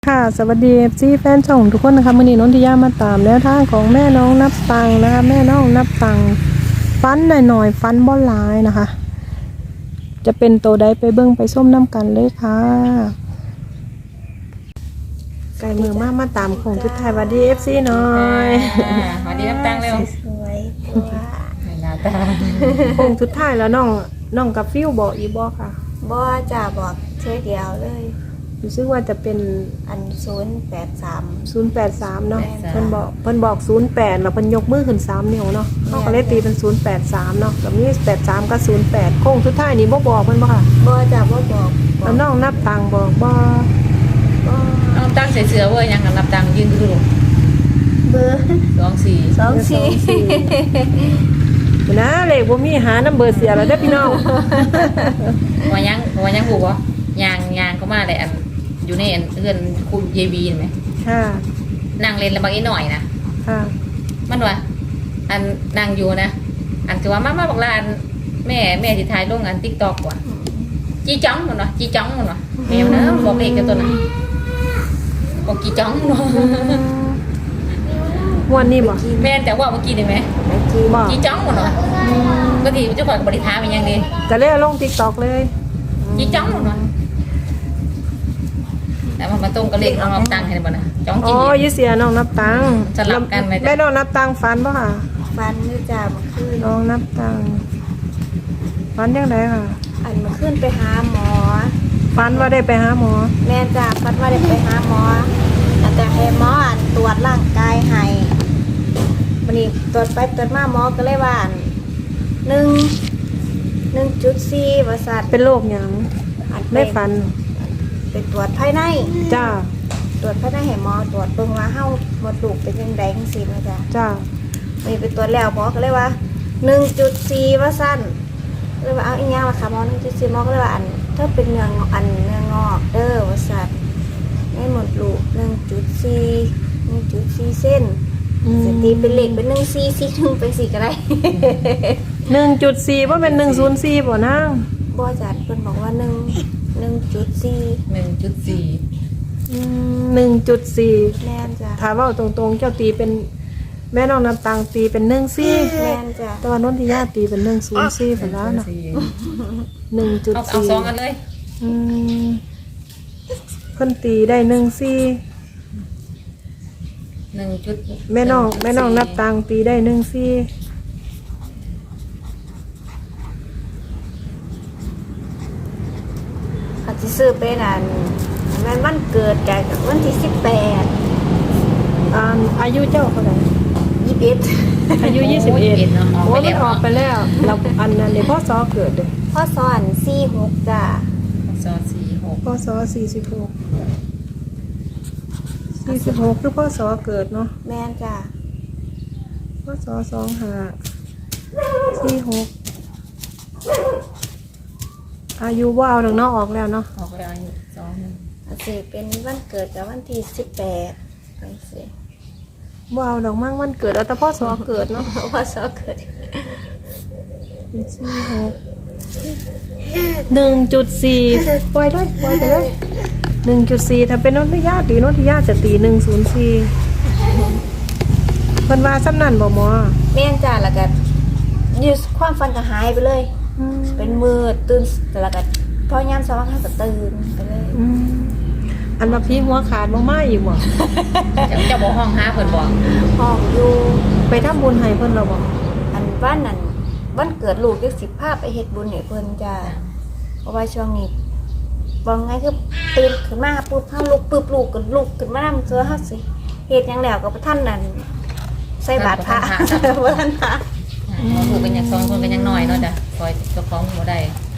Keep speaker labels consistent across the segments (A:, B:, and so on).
A: ค่ะสวัสดีซีแฟนช่องทุกคนนะคะมื่อนี้นนทิยามาตามแนวทางของแม่น้องนับตังนะคะแม่น้องนับตังฟันหน่อยฟันบ่หลายนะคะ จะเป็นตัวใดไปเบิ้งไปส้มน้ำกันเลยค่ะไก่มือมาตามของทุกไทยวัดดีFCหน่อย
B: สวัสดีน้ำตังเร็ว
C: สวยว่า
B: หน้าตา
A: ของทุกไทยแล้วน้องกับฟิวบอกอีบอกค่ะ
C: บ่จะบอกเท่เดียวเลย
A: รู้สึกว่าจะเป็น
C: อัน083
A: 083เนาะเพิ่นบอก08แล้วเพิ่นยกมือขึ้น3นิ้วเนาะเขาก็เลยตีเป็น083เนาะกับนี้83กับ08โค้งสุดท้ายนี่บ่บอกเพิ่นบ่ค่ะ
C: บ่จะบ่บอก
A: แล้วน้องนับตังบอกบ่
B: น้ำตังใส่เสื้อเว้ยยังกับน้ำตังยืนดู
C: เบอร์
A: 24นะเลขบ่มีหาน้ำเบอร์เสียแล้วเด้อพี่น้อง
B: ว่ายังหูบ่ยางก็มาเลยอันอยู่ในเอื้อนคุณเยบีเห็นไหม
A: ค่ะ
B: นั่งเล่นแล้วบางอีหน่อยนะ
A: ค่ะ
B: มันว่าอันนั่งอยู่นะอันคือว่ามาบอกลาอันแม่ที่ถ่ายลงอัน TikTok ว่ะจีจ้องมันวะจีจ้องมันวะแมวนะบอกเลขกันตัวน่ะบอกจีจ้องมันวะ
A: วันนี้บ่
B: แม่แต่ว่าเมื่อกี้ได้ไหมจีจ้องมันวะบางทีเจ้าของบริษัทเป็นยังไง
A: ก็เลยลง TikTok เลย
B: จีจ้องมันวะแต่มันตรงกับเลขน้องนับตังค์เห็นบ่นะจ้องจี
A: ยี่เสียน้องนับตัง
B: สลับกันไหม
A: แม่น้องนับตังฟันบ่ค่ะ
C: ฟันนี่จะมาขึ้น
A: น้องนับตังฟันยังไงค่ะ
C: อันมาขึ้นไปหาหมอ
A: ฟันว่าได้ไปหาหมอ
C: แม่จ้าฟันว่าได้ไปหาหมอแต่ให้หมอตรวจร่างกายให้วันนี้ตรวจไปตรวจมาหมอก็เลยว่า1.4ว่าสัตว์
A: เป็นโรคหยังได้ฟัน
C: ไปตรวจภายใน
A: จ้า
C: ตรวจภายในให้หมอตรวจเบิ่งว่าเฮาหมดลูกเป็นจังได๋จังซี่นะจ๊ะ
A: จ้า
C: มีไปตรวจแล้วหมอก็เลยว่า 1.4 ว่าสั้นเลยว่าเอาอีหยังล่ะค่ะหมอ 1.4 หมอก็เลยว่าอันถ้าเป็นเนื้องอกเด้อว่าซั่นในหมดลูก 1.4 เส้นสตีเป็นเลขเป็น1.4 เป็น4ก็ได้
A: 1.4 บ่เป็น104บ่นาง
C: บ่จัดเพิ่นบอกว่า1.4
B: 1.4
A: 1.4
C: แม่นจ้ะ
A: ถ้าเว้าตรงๆเจ้าตีเป็นแม่น้องนับตังตีเป็น1.4
C: แม่นจ้ะ
A: แต่ว่านนทิยาตีเป็น1.04พุ่นแล้วน่ะ 1.4
B: เอาสองกันเลย
A: เพิ่นตีได้1.4 แม่น้องนับตังตีได้1.4
C: อาจสิซื้อเป็นอันแม่นวันเกิดแกวันที่18
A: อายุเจ้าเท่าไหร่
C: 21
A: อายุ21
B: เนาะ
A: โอ้มันออกไปแล้วเราอันนั้นพ่อซอเกิดเด้
C: พ่อสอน46จ้ะ
B: ซอ46
A: พ่อซอ46คือพ่อซอเกิดเนาะ
C: แม่นจ้ะ
A: พ่อซอ46อายุว่าเอาดังนอกออกแล้วเนาะ
B: ออกแล้วอายุ
C: อาสิเป็นวันเกิดกับวันที่18จังซี่
A: ว่าเอาดอกมั่งวันเกิดเอาแต่พ่อซอเกิดเนาะ
C: พ่อสอเกิด
A: 1.4 ปล่อยไปเลย 1.4 ถ้าเป็นนนทิยาจะตี 104 เพิ่นว่าซ้ำนั่นบ่หมอ
C: แม่นจ้ะแล้วก็ยืดความฝันก็หายไปเลยเป็นมืดตื่นแล้วก็พอยามสว่างก็ตื่นไปเลย
A: อันว่าพี่หัวขาดบ่มาอีกบ่
B: จะบอกห้องหาเพิ่นบอก
C: ห้องอยู่
A: ไปทำบุญให้เพิ่นแล้วบ่
C: อันวันนั้นวันเกิดลูกจัก10 ภาพไปเฮ็ดบุญให้เพิ่นจ้ะเพราะว่าช่วงนี้บ่ไงคือตื่นขึ้นมาปุ๊บเฮาลุกปึ๊บลูกก็ลุกขึ้นมานำเสื้อเฮาสิเฮ็ดหยังแล้วก็บ่ทันนั่นใส่บาตรพระบ่ทันพระ
B: ถูกกันอย่าง2คนกันอย่างน้อยเนาะจ้ะคอยเจ้าของบ่ได้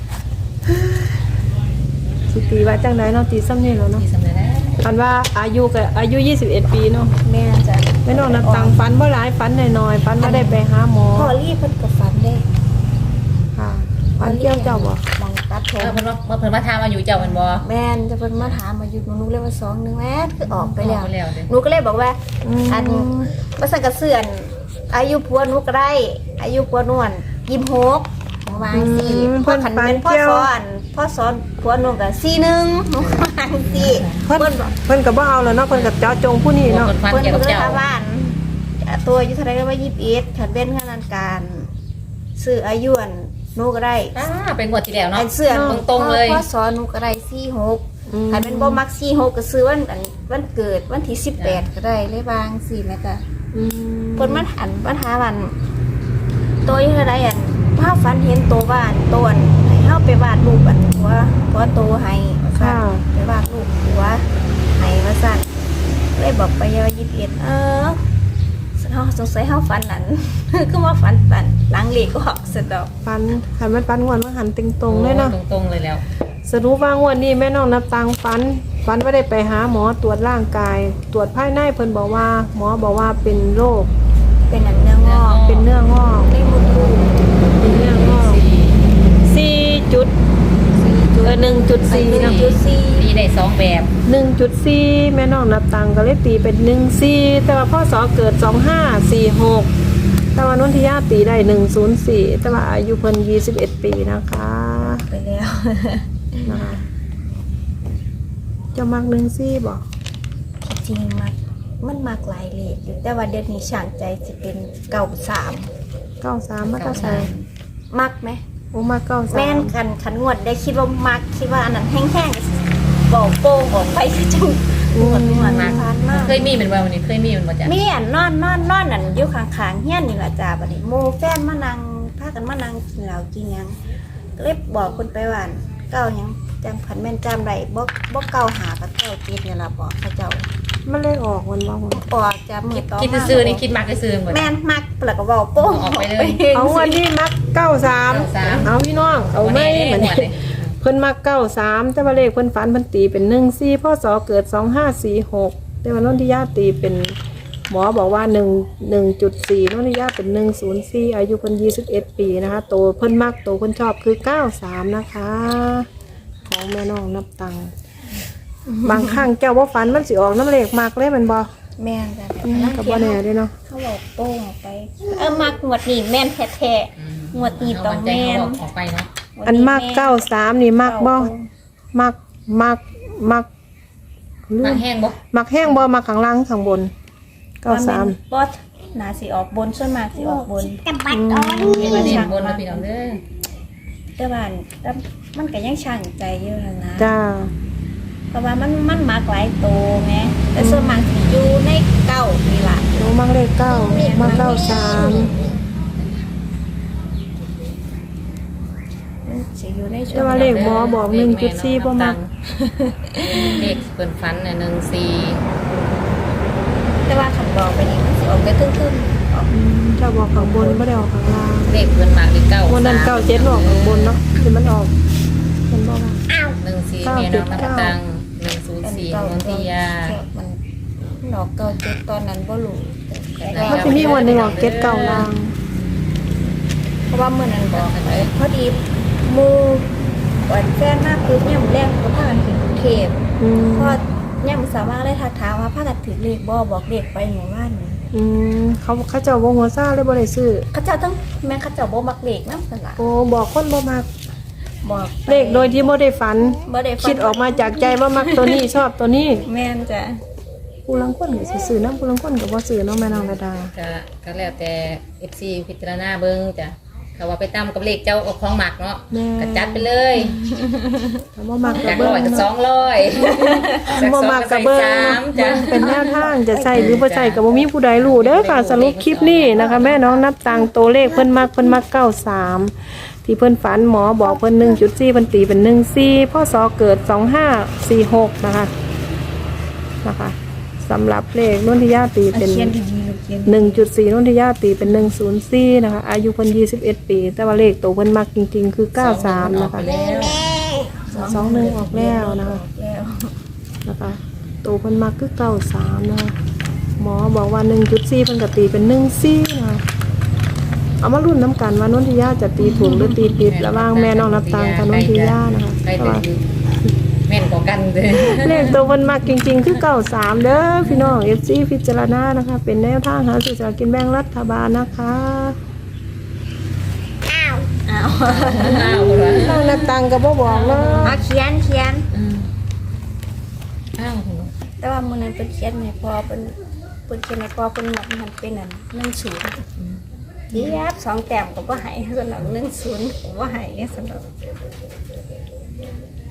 A: สิตีว่าจังได๋เนาะตีซ้ำนี่แล้วเนาะ
B: ที่สำเร็จแล้ว
A: อันว่าอายุ21 ปีเนาะ
C: แม่จ้ะ
A: แม่น้องนับตังฝันบ่หลายฝันน้อยๆฝันว่าได้ไปหาหมอ
C: พ่อรีบเพิ่นก็ฝันได้
A: ค่ะฝันเกี่ยวเจ้าบ่
C: มองตัดผม
B: เพิ่นมาถามมาอยู่เจ้ามันบ่
C: แม่นจะเพิ่นมาถามมาอยู่หนูเลยว่า2-1แม่คือออกไปแล้วหนูก็เลยบอกว่าอันบ่ซั่นก็เสื่อนอายุผัวหนูก็ได้อายุผัวนวล26ประมาณ4เพิ่นเป็นพ่อสอนพ่อสอนผัวหนูก็41หนูก็วางสิ
A: เพิ่น
C: เพิ่นบอก
A: เพิ่นก็บ่เอาแล้วเนาะเพิ่นก็เจาะจงผู้นี้
B: บาง
A: เนาะ
B: คนฟัน
C: เพิ่น
B: เกี่ยว
C: ก็
B: กับ
C: เลย
B: เจ้า
C: ถามว่าตัวอายุเท่าไหร่ก็ว่า21คันเว้นขนาดการซื้ออายุอันหนูก็ได้
B: เป็นงวดที่แล้ว
C: อั
B: เนาะ
C: นเสื้อ
B: ตรงๆเลย
C: พ่อสอนหนูก็ได้46คันเป็นบ่มัก46ก็ซื้อวันเกิดวันที่18ก็ได้เลยบางสิแม่จ้ะ
A: อืม
C: เพิ่นมาถามวันตัวอยู่เท่าใดอันภาพฝันเห็นตัวบ้านตัวอันให้เฮาไปวาดรูปอันหัวโตให้ว่าซั่นไปวาดรูปหัวให้ว่าซั่นเลยบอกไปว่า21เฮาสงสัยเฮาฝันนั่น คือว่าฝันหลังเลขก็ออกสะดอก
A: ฟันคันมันฟันงวดมันหันติงตรงเลยเนาะ
B: ตรงๆเลยแล้ว
A: สรุปว่างวดนี้แม่น้องนับตังฟันว่าได้ไปหาหมอตรวจร่างกาย ตรวจภายในเพิ่นบอกว่าหมอบอกว่าเป็นโรค
C: เป็นอันเนื้องอก
A: เป็นเนื้องอก
C: ได้มดลูก
A: เป็นเนื้องอก4จุด1.4นะ
C: 1.4
B: มีได้2แบบ
A: 1.4แม่น้องนับตังก็เลยตีเป็น14แต่ว่าพ่อสอเกิด2546แต่ว่านนทิยาตีได้104แต่ว่าอายุเพิ่น21 ปีนะคะ
C: ไปแล้ว
A: นะคะจะมัก14บ่
C: จริงมันมากหลายเลขอยู่แต่ว่าเดือนนี้ช่างใจจะเป็น93
A: 93มาตาใส่
C: มักไหม
A: โอ้มา93
C: แม่นขันงวดได้คิดว่ามักคิดว่าอันนั้นแห้งๆบอกโป้งออกไปจังงวดมาทานมาก
B: เคยมีเป็นว่าวันนี้เคยมีเป็นว่าจ้ะ
C: มีอันนอนอันอยู่ข้างๆเฮียนนี่ล่ะจ้าบัดนี้โมแฟนมานั่งพากันมานั่งกินเหล้ากินหยังก็เลยบอกคนไปว่าเก้าหยังจำขันแม่นจำได้บ่เก้าหากับเก้าเจ็ดนี่ล่ะบอกเขาเจ้า
A: มันเลยออกวันว่า
C: บอกจะมือต่อ
B: คิด
C: มา
B: ซื้อนี่คิดมากก็ซื้อหมด
C: แม่นมักแล้วก็บอกโป้ง
B: ออกไปเลย
A: เอาวันที่มัก93เอาพี่น้องเอาไม่เหมือน เพิ่นมัก93แต่ว่าเลขเพิ่นฝันเพิ่นตีเป็น14พศเกิด2546แต่ว่านนทิยาตีเป็นหมอบอกว่า1.4นนทิยาเป็น104อายุเพิ่น21 ปีนะคะโตเพิ่นมักโตเพิ่นชอบคือ93นะคะ ของแม่น้องนับตังค์บางครั้งแก้วว่าฝันมันสิออกน้ำเลขมักเลยแมันบ่
C: แม่นจ้ะ
A: กับบ่แน่เด้เนาะ
C: เขาบอกโป้งออกไปมักงวดนี้แม่นแท้ๆงวดนี้ต้องแม่น
B: ออกไปเนาะ
A: อันมัก93นี่มักบ่มัก
B: มาแห้งบ่
A: มักแห้งบ่มักข้างล่างข้างบน
C: บอสนาสิออกบนส่วนมากสิออกบน
B: เห็นว่าเด่นบนนะพี่น้องเด้อ
C: แต่ว่ามันก็ยังช่างใจอยู่นะ
A: จ้า
C: เพราะว่ามันมากหลายโตไงแต่ส่วนมากสิอยู่ในเก้านี่ล่ะ
A: หนูมักเลข9มัก93
C: สิอยู่ในช่
A: แต่
C: วง
A: ว่าเลขหมอบอก1.4บ่มัก
B: เลขเปิดฟันเนี่ย14
C: แต่ว่าคันบอกไปนี่มันสิออกไปครึ่งๆออก
A: ถ้าบอกข้างบนบ่ได้ออกข้างล่าง
B: เลขเปิดมากนี่9
A: วันนั้น97ออกข้างบนเนาะที่มันออกมันบ่ว่า
B: 14แม่น้องนับตัง104นนทิยา
C: มันออกเก้าเจ็ดตอนนั้นบ่รู้
A: มันสิมีวันหนึงออก79ล่าง
C: เพราะว่ามื้อนั้นบอกพอดีหมู่ก่อนแฟนมาปุ๊บเนี่ยมื้อแรกก็พากันขึ้นกรุงเทพ
A: อืม
C: พอเนี่ยมื้อสามารถได้ทักถามว่าพากันถือเลขบ่บอกเลขไปหมู่บ้านนี่
A: เขาเจ้าบ่หัวซ่าเลยบ่ได้ซื้อ
C: เขาเจ้าต้องแม่เขาเจ้าบ่มักเลขนำซั่นล่ะ
A: โอ้บอกคนบ่มัก
C: บอกไป
A: เลขโดยที่บ่ได้ฝัน
C: บ่ได้ฟัง
A: คิดออกมาจากใจว่ามักตัวนี้ชอบตัวนี้
C: แม่นจ้ะ
A: ผู้ลังคนก็สิซื้อนำผู้ลังคนก็บ่ซื้อเนาะแม่นางระดา
B: ก็แล้วแต่ FC พิจารณาเบิ่งจ้ะเขาว่าไปตามกับเลขเจ้าเอาของหมักเนาะก็จัดไปเลย
A: ถ้าบ่มักก็
B: จาก
A: เบิ่
B: 100ก็
A: ง
B: 200
A: บ่มักก็เบิ่ง
B: จ้ะ
A: เป็นแนวทางจะใช้หรือบ่ใช้ก็บ่มีผู้ใดรู้เด้อค่ะสรุปคลิปนี้นะคะ แม่น้องนับตังค์ตัวเลขเพิ่นมัก93ที่เพิ่นฝันหมอบอกเพิ่น 1.4 เพิ่นตีเป็น14พศเกิด2546นะคะสำหรับเลขนนทิยาตีเป็น
C: เขียนดีๆลูกเขียน
A: 1.4นนทิยาตีเป็น104นะคะอายุเพิ่น21 ปีแต่ว่าเลขตัวเพิ่นมักจริงๆคือ93นะคะ21ออกแล้วนะคะ
C: แล้ว
A: นะคะตัวเพิ่นมักคือ93นะคะหมอบอกว่า 1.4 เพิ่นก็ตีเป็น14นะคะเอามารุ่นน้ำกันว่านนทิยาจะตีถูกหรือตีผิดระหว่างแม่น้องนับตังกับนนทิยานะคะ
B: ใคร
A: แต่
B: จะ
A: ว่า
B: แม่นกว่ากันเลย
A: เลขตัวเพิ่นมักจริงๆคือ93เด้อพี่น้อง FC พิจารณานะคะเป็นแนวทางหาซื้อสลากกินแบ่งรัฐบาลนะคะ
C: อ้าวาว
B: อ้าวเหรอ
A: น้องนับตังก็บ่บอกเนาะ
C: เอาเขียน
B: อ้าวเหรอ
C: แต่ว่ามื้อนั้นเพิ่นเขียนให้พอเพิ่นเขียนให้พอเพิ่นหมดมันเป็นอัน10เยียบ2แต้มก็บ่ให้สำหรับ10ก็บ่ให้สำหรับ